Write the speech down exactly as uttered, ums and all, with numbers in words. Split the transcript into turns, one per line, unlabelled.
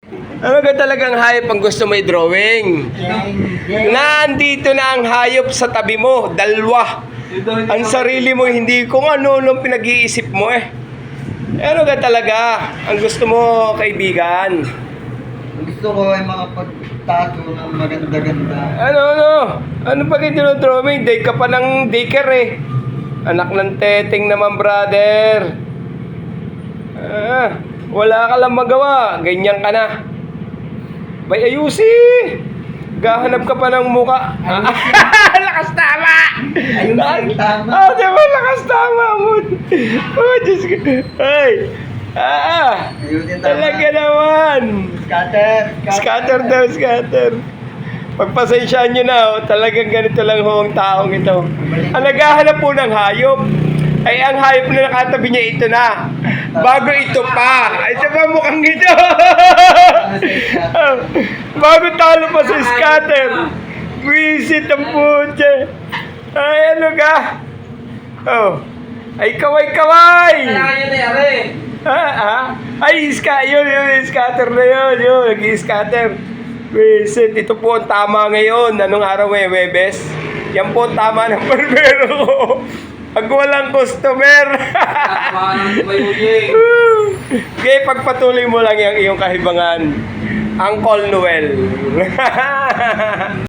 Ano ka talagang hayop ang gusto mo i-drawing? Nandito na ang hayop sa tabi mo, dalawa. Ang sarili mo, hindi kung ano-ano pinag-iisip mo eh. Ano ka talaga ang gusto mo, kaibigan?
Gusto ko ay mga pagtato ng maganda-ganda.
Ano, ano? Ano pa kayo dinodrawing? Day ka pa ng daycare eh. Anak ng teteng naman, brother. Ah, wala ka lang magawa. Ganyan ka na. Bay, ayusi! Gahanap ka pa ng muka. Lakas tama!
Ayusin, tama.
Ah, di ba? Lakas tama mo. Oh, Diyos ko. Ay! Ah!
Ayusin, tama.
Talaga naman!
Scatter!
Scatter daw, scatter. Pagpasensyaan nyo na, oh, talagang ganito lang ho ang taong ito. Ang naghahanap po ng hayop, ay ang hayop na nakatabi niya ito na. Bago ito pa. Ay, ito pa mukhang ito. Bago talo pa sa scatter. Visit ang putya. Ay, ano ka? Oh. Ay, kaway-kaway.
Kailangan nyo na yari.
Ah, ah. Ay, iska, yun, yun, scatter na yun, yun, nag-scatter. Visit, ito po ang tama ngayon. Anong araw ngayon, Webes? Yan po ang tama ng barbero ko. Pag walang customer. Okay, pagpatuloy mo lang yung iyong kahibangan. Uncle Noel.